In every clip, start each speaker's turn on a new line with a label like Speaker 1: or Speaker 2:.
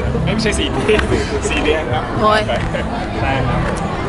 Speaker 1: ไม่ใช่4 ปี4 เดือนครับ
Speaker 2: โอ้ย
Speaker 1: ใช่ครับ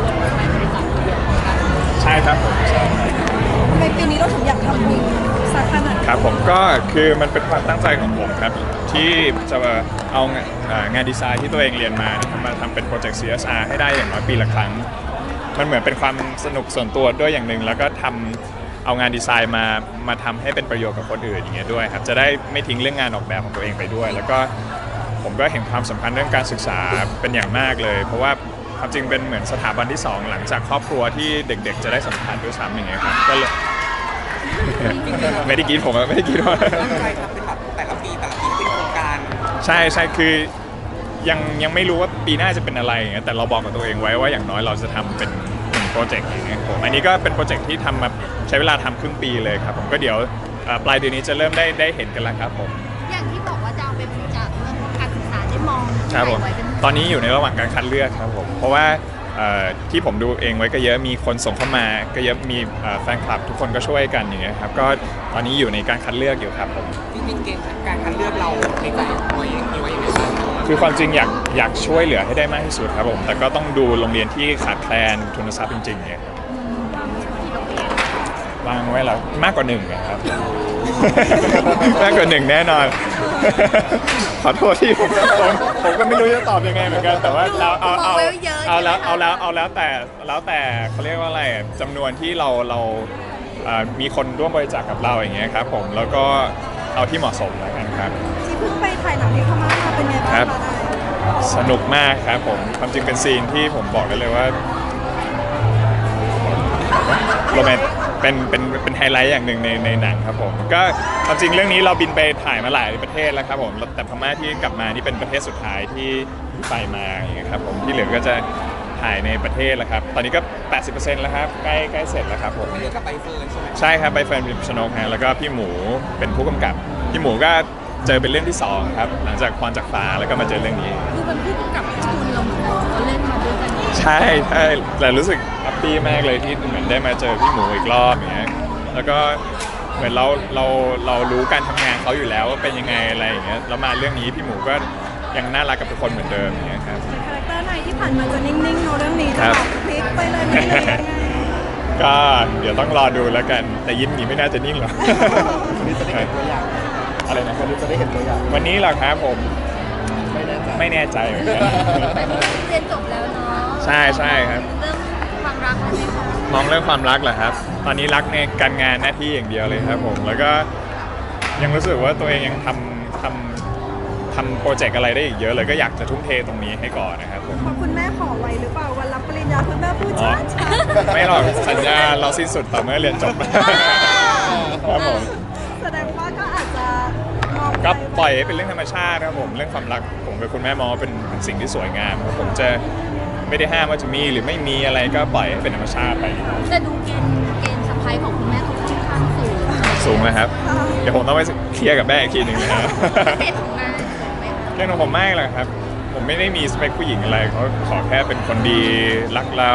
Speaker 1: ใช่ครับผมใช่
Speaker 3: ในปีนี้เราถึงอยากทำบุญสักขนาด
Speaker 1: ครับผมก็คือมันเป็นความตั้งใจของผมครับที่จะเอางานดีไซน์ที่ตัวเองเรียนมานะครับมาทำเป็นโปรเจกต์ CSR ให้ได้อย่างน้อยปีละครั้งมันเหมือนเป็นความสนุกส่วนตัวด้วยอย่างหนึ่งแล้วก็เอางานดีไซน์มาทำให้เป็นประโยชน์กับคนอื่นอย่างเงี้ยด้วยครับจะได้ไม่ทิ้งเรื่องงานออกแบบของตัวเองไปด้วย แล้วก็ผมก็เห็นความสำคัญเรื่องการศึกษาเป็นอย่างมากเลย เพราะว่าความจริงเป็นเหมือนสถาบันที่2หลังจากครอบครัวที่เด็กๆจะได้สัมผัสด้วยซ้ำอย่างเงี้ยครับก็เลย ไม่ได้กินผมอะไม่ได้กินว่า
Speaker 4: ตั้งใจทำเป็นแบบแต่ละปีเป็นโครงการ
Speaker 1: ใช่คือยังไม่รู้ว่าปีหน้าจะเป็นอะไรอย่างเงี้ยแต่เราบอกกับตัวเองไว้ว่าอย่างน้อยเราจะทำเป็นโปรเจกต์อย่างเงี้ยผมอันนี้ก็เป็นโปรเจกต์ที่ทำมาใช้เวลาทำครึ่งปีเลยครับผมก็เดี๋ยวปลายเดือนนี้จะเริ่มได้เห็นกันแล้วครับผม
Speaker 2: อย่างที่บอกว่าจะเอาไปบริจาคเรื่องการศึกษาได้มอง
Speaker 1: ครับผม
Speaker 2: ไว้เป็น
Speaker 1: ตอนนี้อยู่ในระหว่างการคัดเลือกครับผมเพราะว่าที่ผมดูเองไว้ก็เยอะมีคนส่งเข้ามาก็เยอะมีแฟนคลับทุกคนก็ช่วยกันอย่างเงี้ยครับก็ตอนนี้อยู่ในการคัดเลือกอยู่ครับผม
Speaker 4: จริงๆเกณฑ์การคัดเลือกเราในใจตัวเองมีไว้ยังไงบ้าง
Speaker 1: คือความจริงอยากช่วยเหลือให้ได้มากที่สุดครับผมแต่ก็ต้องดูโรงเรียนที่ขาดแคลนทุนทรัพย์จริงๆเนี่ยครับวางไว้แล้วมากกว่า1นะครับ มากกว่า1แน่นอน ขอโทษที่ผมก็ไม่รู้จะตอบยังไงเหมือนกันแต่ว่าเราเอาแล้วแต่เขาเรียกว่าอะไรจำนวนที่เรามีคนร่วมบริจาคกับเราอย่างเงี้ยครับผมแล้วก็เอาที่เหมาะสมแล้วกันครับ
Speaker 3: ที่เพิ่งไปถ่ายหนังที่พม่ามาเป็นไงบ้าง
Speaker 1: ครั
Speaker 3: คะ
Speaker 1: บ
Speaker 3: ได้
Speaker 1: สนุกมากครับผมความจริงเป็นซีนที่ผมบอกได้เลยว่าโรแมนเป็นไฮไลท์อย่างหนึ่งในหนังครับผมก็ความจริงเรื่องนี้เราบินไปถ่ายมาหลายประเทศแล้วครับผมแต่พม่าที่กลับมานี่เป็นประเทศสุดท้ายที่ไปมาอย่างเงี้ยครับผมที่เหลือก็จะถ่ายในประเทศแล้วครับตอนนี้ก็ 80% แล้วครับใกล้เสร็จแล้วครับผม
Speaker 4: เรียกกับใบเฟิร์นใช่ไหม
Speaker 1: ใช่ครับไปเฟิร์นพิมชนกฮะแล้วก็พี่หมูเป็นผู้กำกับพี่หมูก็เจอเป็นเรื่องที่2ครับหลังจากพรจากฟ้าแล้วก็มาเจอเรื่องนี้
Speaker 2: คือเป็นผู้กำกับที่คุณลงทุนเขาเล่นมาด้วยกัน
Speaker 1: ใช่แต่รู้สึกแฮปปี้มากเลยที่เหมือนได้มาเจอพี่หมูอีกรอบอย่างเงี้ยแล้วก็เหมือนเรารู้การทำงานเขาอยู่แล้วว่าเป็นยังไงอะไรอย่างเงี้ยแล้วมาเรื่องนี้พี่หมูก็ยังน่ารักกับทุกคนเหมือนเดิมอย่างเงี้ยครับ
Speaker 3: คาแรคเตอร์ไหนที่ผ่านมาจะนิ่งๆเนอะเรื่องนี้จะ
Speaker 1: ครับ
Speaker 3: แบบพลิกไปเลยไม่เลยยังไง
Speaker 1: ก็เดี๋ยวต้องรอดูแล้วกันแต่ยิ้มหนีไม่น่าจะนิ่งหรอก
Speaker 4: วันนี้จะได้เห็นตัวอย่าง
Speaker 1: อะไรนะ
Speaker 4: วันนี้จะได้เห็นตัวอย่าง
Speaker 1: วันนี้เหรอครับผม
Speaker 4: ไม่แน่ใจ
Speaker 1: ไม่แน่ใจเหมือนกัน
Speaker 2: เรียนจบแล้วเนาะ
Speaker 1: ใช่ครับ
Speaker 2: เรื่องความรักอะไรไหมคะ
Speaker 1: มองเรื่องความรักเหรอครับ ตอนนี้รักในการงานหน้าที่อย่างเดียวเลยครับผม แล้วก็ยังรู้สึกว่าตัวเองยังทำโปรเจกต์อะไรได้อีกเยอะเลยก็อยากจะทุ่มเทตรงนี้ให้ก่อนนะครับผม
Speaker 3: เพราะคุณแม่ขอไว้หรือเปล่าวันรับปริญญาคุณแม่พูด
Speaker 1: อ๋อ
Speaker 3: ช้า
Speaker 1: ไม่หรอกสัญญาเราสิ้นสุดต่อเมื่อเรียนจบ ครับผม
Speaker 3: ๆแสดงว่าก็อาจจะมอง
Speaker 1: ก็ปล่อยให้เป็นเรื่องธรรมชาติครับผมเรื่องความรักผมกับคุณแม่มองว่าเป็นสิ่งที่สวยงามครับผมจะไม่ได้ห้ามว่าจะมีหรือไม่มีอะไรก็ปล่อยให้เป็นธรรมชาติไป
Speaker 2: แต่ดูเกณฑ์สะพายของคุณแม่เขาค่อนข้างสูง
Speaker 1: สูงนะครับ เดี๋ยวผมต้องไปเคลียร์กับแม่อีกทีหนึ่งนะครับ
Speaker 2: เกณฑ์ของแม่สูงไหมคะ
Speaker 1: เรื่องของผมไม่หรอกครับ ผมไม่ได้มีสเปคผู้หญิงอะไรเขาขอแค่เป็นคนดีรักเรา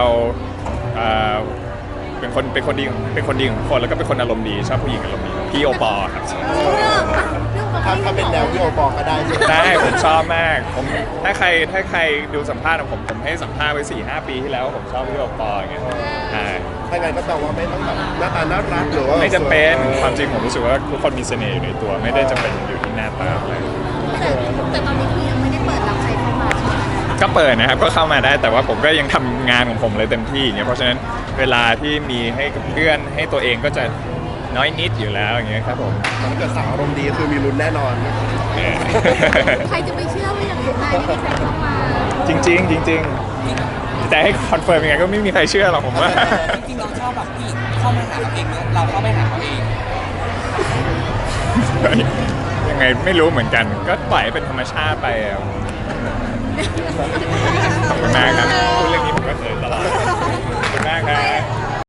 Speaker 1: เป็นคนดีของทุกคนแล้วก็เป็นคนอารมณ์ดีชอบผู้หญิงอารมณ์ดีพี่โอปอครับ
Speaker 4: ถ้าเป็นแนวที่โอปอก็ได้ใช่ไหม
Speaker 1: ได้ผมชอบมากผมถ้าใครดูสัมภาษณ์ของผมให้สัมภาษณ์ไว้ 4-5 ปีที่แล้วผมชอบพี่โอปออย่างเงี้ยอ่า
Speaker 4: ถ้างั้นก็แปลว่าไม่ต้องแบบหน้าตาน่ารักหรือว่า
Speaker 1: ไม่จำเป็นความจริงผมรู้สึกว่าทุกคนมีเสน่ห์อยู่ในตัวไม่ได้จำเป็นอยู่ที่หน้าตาอะไร
Speaker 2: แต่ตอนนี้คือยังไม่ได้เปิดรับใครเข้ามาใช่ไหมคะ
Speaker 1: ก็เปิดนะครับก็เข้ามาได้แต่ว่าผมก็ยังทำงานของผมเลยเต็มที่อย่างเงี้ยเพราะฉะนั้นเวลาที่มีให้กับเพื่อนให้ตัวเองก็จะน้อยนิดอยู่แล้วอย่างเงี้ยครับผม
Speaker 4: ถ้าเกิดสาวอารมณ์ดีคือมีลุ้นแน่นอน
Speaker 1: เออ
Speaker 2: ใครจะไปเชื่อว่าอย่างนี้นายไม่มีใครเข้ามา
Speaker 1: จริงแต่ให้คอนเฟิร์มยังไงก็ไม่มีใครเชื่อหรอกผมว่า
Speaker 4: จริงๆเราชอบแบบผู้หญิงเข้ามาหาเราเองเนอะเราเข้าไปหาเขาเอง
Speaker 1: ยังไงไม่รู้เหมือนกันก็ปล่อยให้เป็นธรรมชาติไปอะขอบคุณมากครับพูดเรื่องนี้ผมก็เคยตลอดขอบคุณมากครับ